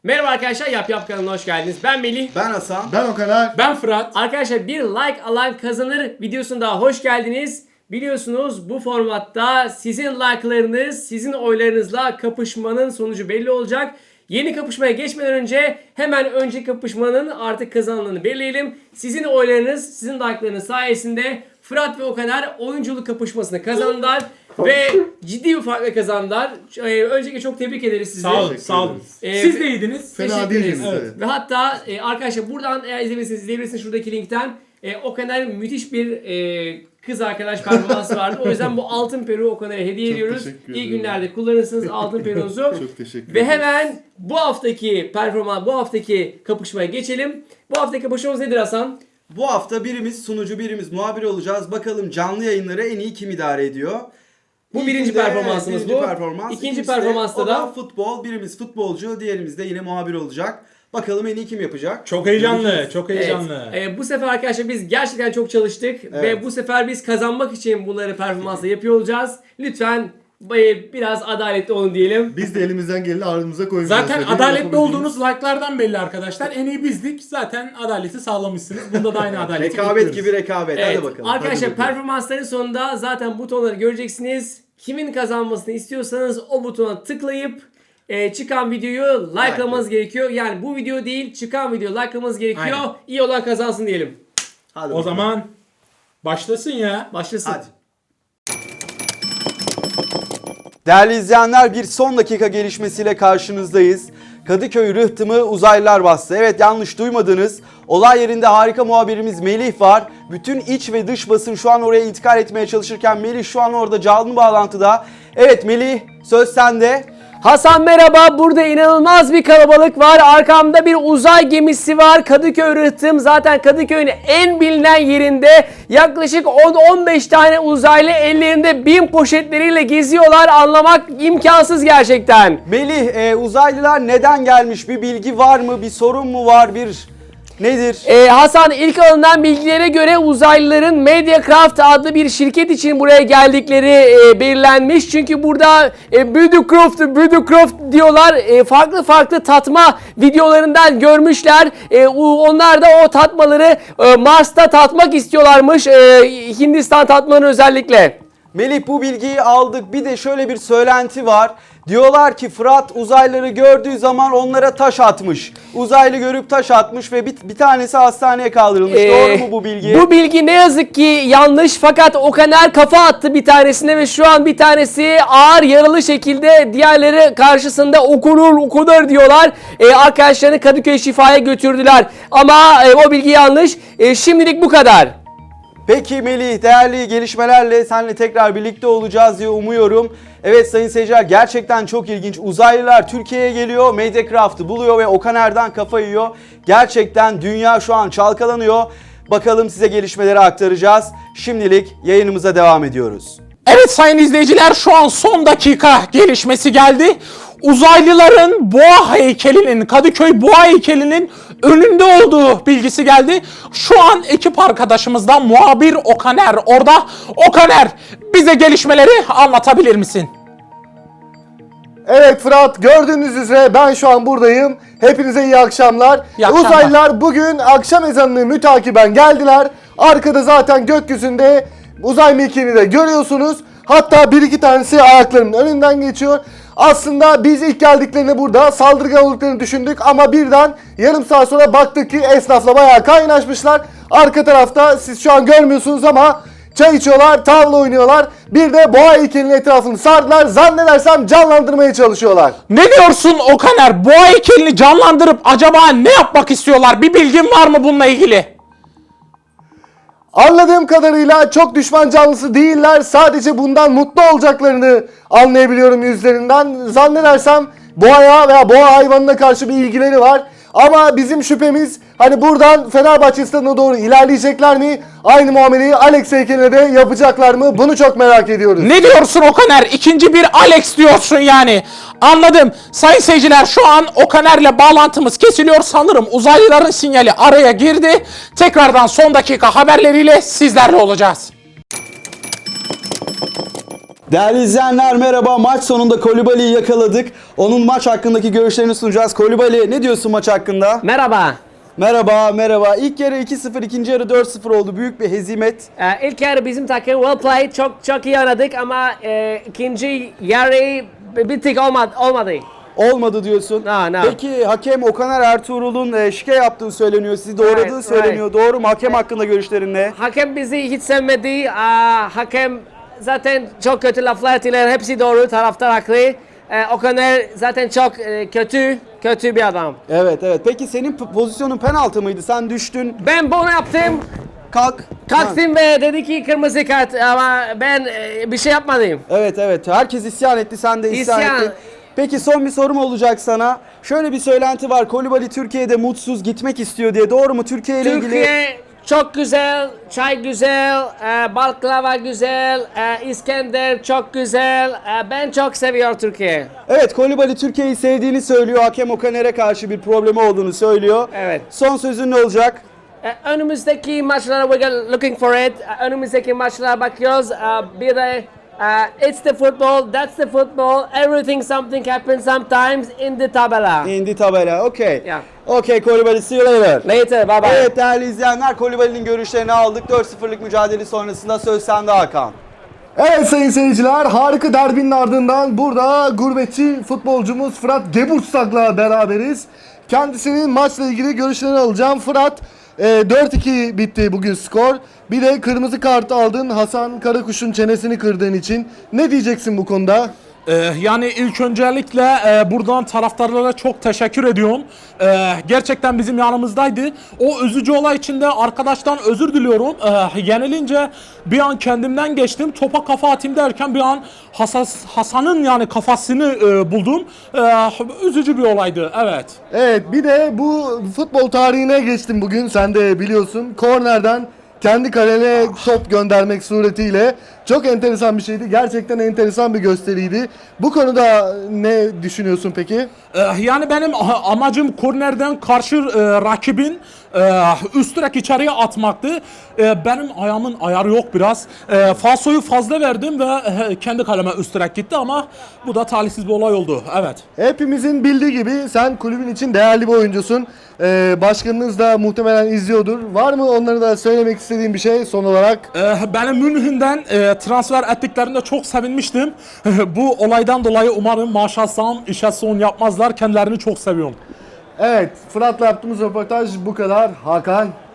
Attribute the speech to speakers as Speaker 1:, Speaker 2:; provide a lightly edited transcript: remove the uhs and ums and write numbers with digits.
Speaker 1: Merhaba arkadaşlar, Yap Yap kanalına hoş geldiniz. Ben Melih.
Speaker 2: Ben Hasan.
Speaker 3: Ben Okaner.
Speaker 4: Ben Fırat.
Speaker 1: Arkadaşlar bir like alan kazanır videosuna daha hoş geldiniz. Biliyorsunuz bu formatta sizin like'larınız, sizin oylarınızla kapışmanın sonucu belli olacak. Yeni kapışmaya geçmeden önce hemen önceki kapışmanın artık kazananını belirleyelim. Sizin oylarınız, sizin like'larınız sayesinde Fırat ve Okaner oyunculuk kapışmasını kazandılar. Ve ciddi bir farkla kazandılar. Öncelikle çok tebrik ederiz sizi.
Speaker 4: Sağ olun, sağ olun. Siz de iyiydiniz.
Speaker 3: Fena
Speaker 1: Teşekkür
Speaker 3: değildiniz,
Speaker 1: ederiz.
Speaker 3: evet.
Speaker 1: Ve hatta arkadaşlar buradan eğer izleyebilirsiniz şuradaki linkten. Okaner müthiş bir kız arkadaş performansı vardı. O yüzden bu altın peruğu Okaner'e hediye ediyoruz.
Speaker 3: teşekkür
Speaker 1: İyi
Speaker 3: ederim.
Speaker 1: günlerde kullanırsınız altın peruğunuzu.
Speaker 3: Çok teşekkür
Speaker 1: Ve
Speaker 3: ederim.
Speaker 1: hemen bu haftaki kapışmaya geçelim. Bu haftaki kapışmamız nedir Hasan?
Speaker 2: Bu hafta birimiz sunucu, birimiz muhabir olacağız. Bakalım canlı yayınları en iyi kim idare ediyor?
Speaker 1: Bu birinci
Speaker 2: İlkinde,
Speaker 1: performansımız
Speaker 2: birinci
Speaker 1: bu.
Speaker 2: Performans.
Speaker 1: İkinci
Speaker 2: İkincisi de
Speaker 1: performansta
Speaker 2: o
Speaker 1: da
Speaker 2: futbol. Birimiz futbolcu, diğerimiz de yine muhabir olacak. Bakalım en iyi kim yapacak?
Speaker 4: Çok heyecanlı, çok
Speaker 1: Evet.
Speaker 4: heyecanlı.
Speaker 1: Bu sefer arkadaşlar biz gerçekten çok çalıştık ve bu sefer biz kazanmak için bunları performansla yapıyor olacağız. Lütfen biraz adaletli olun diyelim.
Speaker 3: Biz de elimizden geleni ardımıza koyacağız.
Speaker 4: Zaten adaletli olduğunuz like'lardan belli arkadaşlar. En iyi bizdik. Zaten adaleti sağlamışsınız. Bunda da aynı adaleti
Speaker 2: Rekabet
Speaker 4: bekliyoruz.
Speaker 2: gibi rekabet.
Speaker 1: Evet,
Speaker 2: Hadi bakalım.
Speaker 1: arkadaşlar
Speaker 3: Hadi bakalım.
Speaker 1: performansların sonunda zaten butonları göreceksiniz. Kimin kazanmasını istiyorsanız o butona tıklayıp çıkan videoyu likelamanız gerekiyor. Yani bu video değil, çıkan videoyu likelamanız gerekiyor.
Speaker 4: Aynen.
Speaker 1: İyi olan kazansın diyelim.
Speaker 2: Hadi
Speaker 4: O
Speaker 2: bakalım.
Speaker 4: zaman başlasın ya.
Speaker 1: Başlasın.
Speaker 2: Hadi. Değerli izleyenler, bir son dakika gelişmesiyle karşınızdayız. Kadıköy rıhtımı uzaylılar bastı. Evet, yanlış duymadınız. Olay yerinde harika muhabirimiz Melih var. Bütün iç ve dış basın şu an oraya intikal etmeye çalışırken Melih şu an orada canlı bağlantıda. Evet Melih, söz sende.
Speaker 1: Hasan merhaba. Burada inanılmaz bir kalabalık var. Arkamda bir uzay gemisi var. Kadıköy rıhtım. Zaten Kadıköy'ün en bilinen yerinde yaklaşık 10-15 tane uzaylı ellerinde bin poşetleriyle geziyorlar. Anlamak imkansız gerçekten.
Speaker 2: Melih, uzaylılar neden gelmiş? Bir bilgi var mı? Bir sorun mu var? Nedir?
Speaker 1: Hasan, ilk alınan bilgilere göre uzaylıların Mediacraft adlı bir şirket için buraya geldikleri belirlenmiş. Çünkü burada Budcraft diyorlar. Farklı tatma videolarından görmüşler. Onlar da o tatmaları Mars'ta tatmak istiyorlarmış. Hindistan tatmalarını özellikle.
Speaker 2: Melih, bu bilgiyi aldık. Bir de şöyle bir söylenti var. Diyorlar ki Fırat uzaylıları gördüğü zaman onlara taş atmış. Uzaylı görüp taş atmış ve bir tanesi hastaneye kaldırılmış. Doğru mu bu bilgi?
Speaker 1: Bu bilgi ne yazık ki yanlış, fakat Okaner kafa attı bir tanesine ve şu an bir tanesi ağır yaralı şekilde, diğerleri karşısında okunur diyorlar. Arkadaşlarını Kadıköy Şifa'ya götürdüler. Ama o bilgi yanlış. Şimdilik bu kadar.
Speaker 2: Peki Melih, değerli gelişmelerle seninle tekrar birlikte olacağız diye umuyorum. Evet sayın seyirciler, gerçekten çok ilginç. Uzaylılar Türkiye'ye geliyor, Mediacraft'ı buluyor ve Okaner'den kafa yiyor. Gerçekten dünya şu an çalkalanıyor. Bakalım size gelişmeleri aktaracağız. Şimdilik yayınımıza devam ediyoruz.
Speaker 4: Evet sayın izleyiciler, şu an son dakika gelişmesi geldi. Uzaylıların boğa heykelinin, Kadıköy boğa heykelinin önünde olduğu bilgisi geldi. Şu an ekip arkadaşımızdan muhabir Okaner orada. Okaner, bize gelişmeleri anlatabilir misin?
Speaker 3: Evet Fırat, gördüğünüz üzere ben şu an buradayım. Hepinize iyi akşamlar.
Speaker 4: İyi akşamlar.
Speaker 3: Uzaylılar bugün akşam ezanını mütakiben geldiler. Arkada zaten gökyüzünde uzay mekiğini de görüyorsunuz. Hatta bir iki tanesi ayaklarının önünden geçiyor. Aslında biz ilk geldiklerinde burada saldırgan olduklarını düşündük ama birden yarım saat sonra baktık ki esnafla bayağı kaynaşmışlar. Arka tarafta siz şu an görmüyorsunuz ama çay içiyorlar, tavla oynuyorlar. Bir de boğa heykelinin etrafını sardılar. Zannedersem canlandırmaya çalışıyorlar.
Speaker 4: Ne diyorsun Okaner? Boğa heykelini canlandırıp acaba ne yapmak istiyorlar? Bir bilgin var mı bununla ilgili?
Speaker 3: Anladığım kadarıyla çok düşman canlısı değiller. Sadece bundan mutlu olacaklarını anlayabiliyorum yüzlerinden. Zannedersem boğaya veya boğa hayvanına karşı bir ilgileri var. Ama bizim şüphemiz hani buradan Fenerbahçe stadına doğru ilerleyecekler mi? Aynı muameleyi Alex heykeline de yapacaklar mı? Bunu çok merak ediyoruz.
Speaker 4: Ne diyorsun Okaner? İkinci bir Alex diyorsun yani. Anladım. Sayın seyirciler, şu an Okaner'le bağlantımız kesiliyor. Sanırım uzaylıların sinyali araya girdi. Tekrardan son dakika haberleriyle sizlerle olacağız.
Speaker 2: Değerli izleyenler merhaba. Maç sonunda Koulibaly'yi yakaladık. Onun maç hakkındaki görüşlerini sunacağız. Koulibaly, ne diyorsun maç hakkında?
Speaker 1: Merhaba.
Speaker 2: Merhaba. İlk yarı 2-0, ikinci yarı 4-0 oldu. Büyük bir hezimet.
Speaker 1: İlk yarı bizim takım well played, çok iyi oynadık ama ikinci yarı bir tık olmadı.
Speaker 2: Olmadı diyorsun.
Speaker 1: No.
Speaker 2: Peki hakem Okaner Ertuğrul'un şike yaptığı söyleniyor. Sizi doğradığı
Speaker 1: Right.
Speaker 2: söyleniyor. Doğru mu? Hakem hakkında görüşlerin ne?
Speaker 1: Hakem bizi hiç sevmedi. Hakem zaten çok kötü laflar ettiler. Hepsi doğru, taraftar haklı. Okaner zaten çok kötü bir adam.
Speaker 2: Evet. Peki senin pozisyonun penaltı mıydı? Sen düştün.
Speaker 1: Ben bunu yaptım. Kalktım ve dedi ki kırmızı kart ama ben bir şey yapmadım.
Speaker 2: Evet. Herkes isyan etti. Sen de isyan
Speaker 1: İsyan.
Speaker 2: ettin. Peki son bir sorum olacak sana. Şöyle bir söylenti var. Koulibaly Türkiye'de mutsuz, gitmek istiyor diye. Doğru mu? Türkiye ile ilgili.
Speaker 1: Türkiye çok güzel, çay güzel, baklava güzel, İskender çok güzel. Ben çok seviyorum Türkiye.
Speaker 2: Evet, Koulibaly Türkiye'yi sevdiğini söylüyor. Hakem Okaner'e karşı bir problemi olduğunu söylüyor.
Speaker 1: Evet.
Speaker 2: Son sözün ne olacak?
Speaker 1: Önümüzdeki maçlara we're looking for it. Önümüzdeki maçlara bakıyoruz. Bir de it's the football, that's the football. Everything, something happens sometimes in the tabela.
Speaker 2: İndi tabela. Okay.
Speaker 1: Yeah.
Speaker 2: Okay Koulibaly, see you later.
Speaker 1: Later, bye bye.
Speaker 2: Evet değerli izleyenler, Koulibaly'nin görüşlerini aldık. 4-0'lık mücadele sonrasında söz sende Hakan.
Speaker 3: Evet sayın seyirciler, harika derbinin ardından burada gurbetçi futbolcumuz Fırat Geburtsak'la beraberiz. Kendisinin maçla ilgili görüşlerini alacağım. Fırat, 4-2 bitti bugün skor. Bir de kırmızı kart aldın Hasan Karakuş'un çenesini kırdığın için. Ne diyeceksin bu konuda?
Speaker 4: Yani ilk öncelikle buradan taraftarlara çok teşekkür ediyorum. Gerçekten bizim yanımızdaydı. O üzücü olay içinde arkadaştan özür diliyorum. Yenilince bir an kendimden geçtim. Topa kafa atayım derken bir an Hasan'ın yani kafasını buldum. Üzücü bir olaydı. Evet.
Speaker 3: Evet, bir de bu futbol tarihine geçtim bugün, sen de biliyorsun. Kornerden kendi kalene top göndermek suretiyle çok enteresan bir şeydi. Gerçekten enteresan bir gösteriydi. Bu konuda ne düşünüyorsun peki?
Speaker 4: Yani benim amacım kornerden karşı rakibin üst direk içeriye atmaktı. Benim ayağımın ayarı yok biraz. Falsoyu fazla verdim ve kendi kaleme üst direk gitti ama bu da talihsiz bir olay oldu. Evet.
Speaker 3: Hepimizin bildiği gibi sen kulübün için değerli bir oyuncusun. Başkanınız da muhtemelen izliyordur. Var mı onlara da söylemek istediğin bir şey son olarak?
Speaker 4: Benim Münih'den transfer ettiklerinde çok sevinmiştim. Bu olaydan dolayı umarım maaş alsam işe son yapmazlar. Kendilerini çok seviyorum.
Speaker 3: Evet, Fırat'la yaptığımız röportaj bu kadar. Hakan.